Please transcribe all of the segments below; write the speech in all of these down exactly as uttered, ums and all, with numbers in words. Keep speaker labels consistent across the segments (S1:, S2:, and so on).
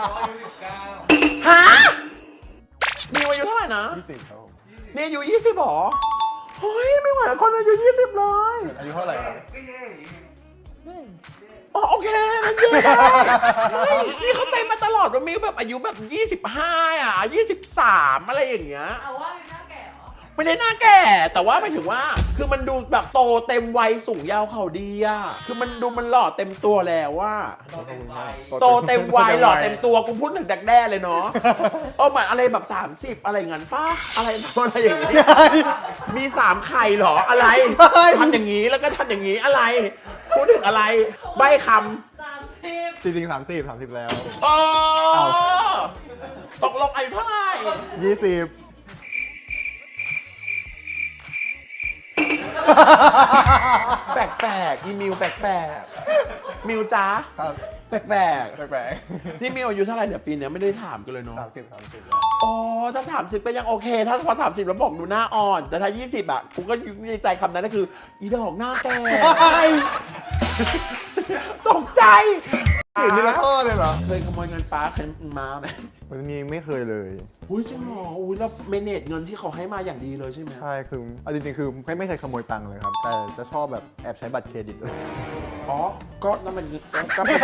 S1: อายุสิบเก้า
S2: ฮะมิวอายุเท่าไหร่นะ
S3: ยี่สิบครับ
S2: นี่อายุยี่สิบหรอเฮ้ยไม่เหมือนคนอายุยี่สิบเลย
S3: อายุเท่าไหร่ครับ
S1: ก็เย่
S2: อ๋อโอเคนั่นเย่เฮ้ยนี่เข้าใจมาตลอดว่ามิวแบบอายุแบบยี่สิบห้าอ่ะยี่สิบสามอะไรอย่างเงี้ย
S4: เอาว่าเป็นหน้าแก่เหรอ
S2: ไม่ได้หน้าแก่แต่ว่าหมายถึงว่าคือมันดูแบบโตเต็มวัยสูงยาวเข่าดีอ่ะคือมันดูมันหล่อเต็มตัวแล้วว่า
S1: โตเต็มวัย
S2: โตเต็มวัยหล่อเต็มตัวกูพูดถึงดักแด้เลยเนาะเออเหมือนอะไรแบบสามสิบอะไรเงี้ยป้าอะไรอะไรอย่างงี้มีสามไข่หรออะไรทำอย่างงี้แล้วก็ทำอย่างงี้อะไรพูดถึงอะไรใบ้ค
S4: สามสิบ
S3: จริงๆสามสิบสามสิบแล้ว
S2: ำอ๋อตกลงอายุเท่าไหร่
S3: ยี่สิบ
S2: แปลกๆอีมิวแปลกๆมิวจ้า
S3: ครับ
S2: แปลก
S3: แปลก
S2: ๆนี่มิวอายุเท่าไหร่เดี๋ยวปีนี้ไม่ได้ถามกันเลยเนาะ
S3: ๆสามสิบสามสิบ
S2: อ๋อถ้าสามสิบก็ยังโอเค ถ้าพอสามสิบแล้วบอกดูหน้าอ่อน แต่ถ้ายี่สิบอ่ะกูก็ในใจคำนั้นก็คืออีดอกหน้าแก่ตกใจ
S3: สิ่งนี้ละข้อเลยเหรอ
S2: เคยขโมยเงินป้าเคยมาไหม
S3: วันนี้ไม่เคยเลย
S2: อุ้ยจริงเหรออุ้ยแล้วเมเนจเงินที่เขาให้มาอย่างดีเลยใช่ไหม
S3: ใช่คือเอาจริงๆคือไม่ไม่เคยขโมยตังค์เลยครับแต่จะชอบแบบแอบใช้บัตรเครดิตเลย
S2: อ๋อก็นั่นมันก็เป็น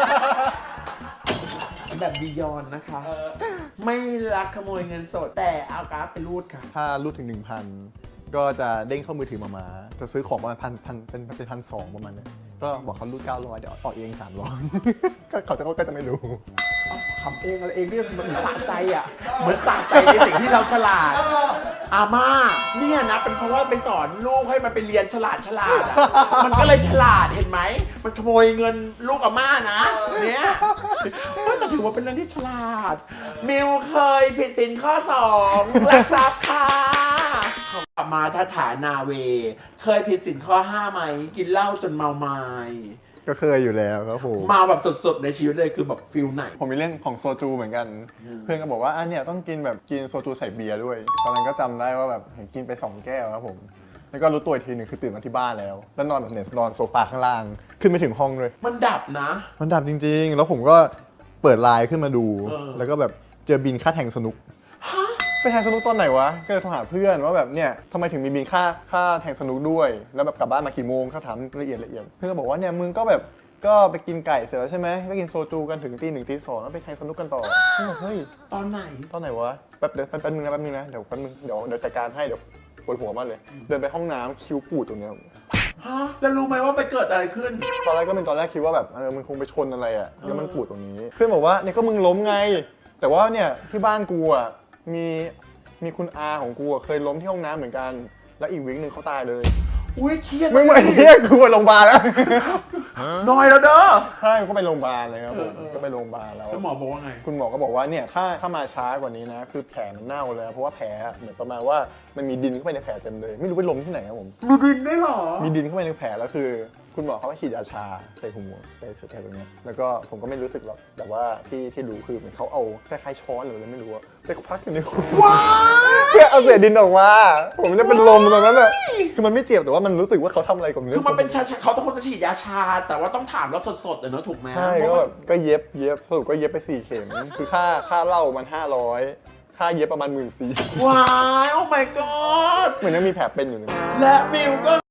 S2: แบบบียอนนะคะไม่รักขโมยเงินสดแต่เอาการ์ดไปรูดค่ะ
S3: ถ้ารูดถึง หนึ่งพัน ก็จะเด้งเข้ามือถือมามาจะซื้อของประมาณพันพันเป็นเป็นพันสองประมาณนี้ก็บอกเขารูดเก้าร้อยเดี๋ยวออกเองสามร้อยก็เขาจะก็จะไม่รู้
S2: ทำเองอะไรเองนี่มันเหมือนสะใจอ่ะเหมือนสะใจในสิ่งที่เราฉลาดอาม่าเนี่ยนะเป็นเพราะว่าไปสอนลูกให้มันไปเรียนฉลาดฉลาดอ่ะมันก็เลยฉลาดเห็นไหมมันขโมยเงินลูกอาม่านะเนี่ยแต่ถือว่าเป็นเรื่องที่ฉลาดมิวเคยผิดสินข้อสองลักทรัพย์ค่ะกลับมาถ้าฐานาเวเคยผิดสินข้อห้าไหมกินเหล้าจนเมาไม้
S3: ก็เคยอยู่แล้วครับผม
S2: มาแบบสดๆในชีวิตเลยคือแบบฟิลไหน
S3: ผมมีเรื่องของโซจูเหมือนกันเพื่อนก็บอกว่าอันเนี้ยต้องกินแบบกินโซจูใส่เบียร์ด้วยตอนนั้นก็จำได้ว่าแบบเห็นกินไปสองแก้วครับผมแล้วก็รู้ตัวอีกทีหนึ่งคือตื่นมาที่บ้านแล้วแล้วนอนแบบเนี่ยนอนโซฟาข้างล่างขึ้นไปถึงห้องเลย
S2: มันดับนะ
S3: มันดับจริงๆแล้วผมก็เปิดไลน์ขึ้นมาดูแล้วก็แบบเจอบินค่าแทงสนุกไปแทงสนุกตอนไหนวะก็เลยโทรหาเพื่อนว่าแบบเนี่ยทำไมถึงมีบินค่าค่าแทงสนุกด้วยแล้วแบบกลับบ้านมากี่โมงเขาถามละเอียดละเอียดเพื่อนก็บอกว่าเนี่ยมึงก็แบบก็ไปกินไก่เสร็จแล้วใช่ไหมก็กินโซจูกันถึงตีหนึ่งตีสองแล้วไปแทงสนุกกันต่อเฮ้ย
S2: ตอนไหน
S3: ตอนไหนวะแป๊บเดี๋ยวแป๊บนึงนะแป๊บนึงนะเดี๋ยวแป๊บนึงเดี๋ยวเดี๋ยวจัดการให้เดี๋ยวปวดหัวมากเลยเดินไปห้องน้ำคิ้วปูดตรงเนี้ย
S2: ฮะแล้วรู้ไหมว่าไปเกิดอะไรขึ้น
S3: ตอนแรกก็เป็นตอนแรกคิดว่าแบบเออมันคงไปชนอะไรอ่ะแล้วมันปูดตรงนี้เพื่อนบอกว่าเนี่ยก็มึงล้มไงแต่ว่าเนี่ยที่บ้านกูอ่ะมีมีคุณอาของกูเคยล้มที่ห้องน้ำเหมือนกันแล้วอีกวิคนึงเขาตายเลย
S2: อุ้ยเครียด
S3: ไม่เหมือนเนี่ยกูไปโรงพยาบาลแล้ว
S2: น้อยแล้วเด้อ
S3: ใช่ก็ไปโรงพยาบาลเลยครับผมก็ไปโรงพยาบาลแล้ว
S2: คุณหมอบอกว่าไง
S3: คุณหมอก็บอกว่าเนี่ยถ้าถ้ามาช้ากว่านี้นะคือแผลมันเน่าเลยเพราะว่าแผลเหมือนประมาณว่ามันมีดินเข้าไปในแผลเต็มเลยไม่รู้ไปล้มที่ไหนครับผม
S2: มีดินได้หรอ
S3: มีดินเข้าไปในแผลแล้วคือคุณหมอเขาก็ฉีดยาชาใส่หัวใส่สเตียรอยด์ตรงนี้แล้วก็ผมก็ไม่รู้สึกหรอกแต่ว่าที่ที่รู้คือเหมือนเขาเอาคล้ายๆช้อนหรืออะไรไม่รู้ไปพักอยู่ในหัว
S2: ว้า
S3: เพื่อเอาเศษดินออกมาผมจะเป็นลมตรงนั้นเลยคือมันไม่เจ็บแต่ว่ามันรู้สึกว่าเขาทำอะไรกับเนื้อ
S2: คือมันเป็นชาเขาต้องคนจะฉีดยาชาแต่ว่าต้องถามแล้วสดๆเลยเนอะถูกไหม
S3: ใช่ก็แบบก็เย็บเย็บสรุปก็เย็บไปสี่เข็มคือค่าค่าเหล้ามันห้าร้อยค่าเย็บประมาณหมื่นสี่
S2: ว้ายโอ้ my god
S3: เหมือนยังมีแผลเป็นอยู่เลย
S2: และมิวก็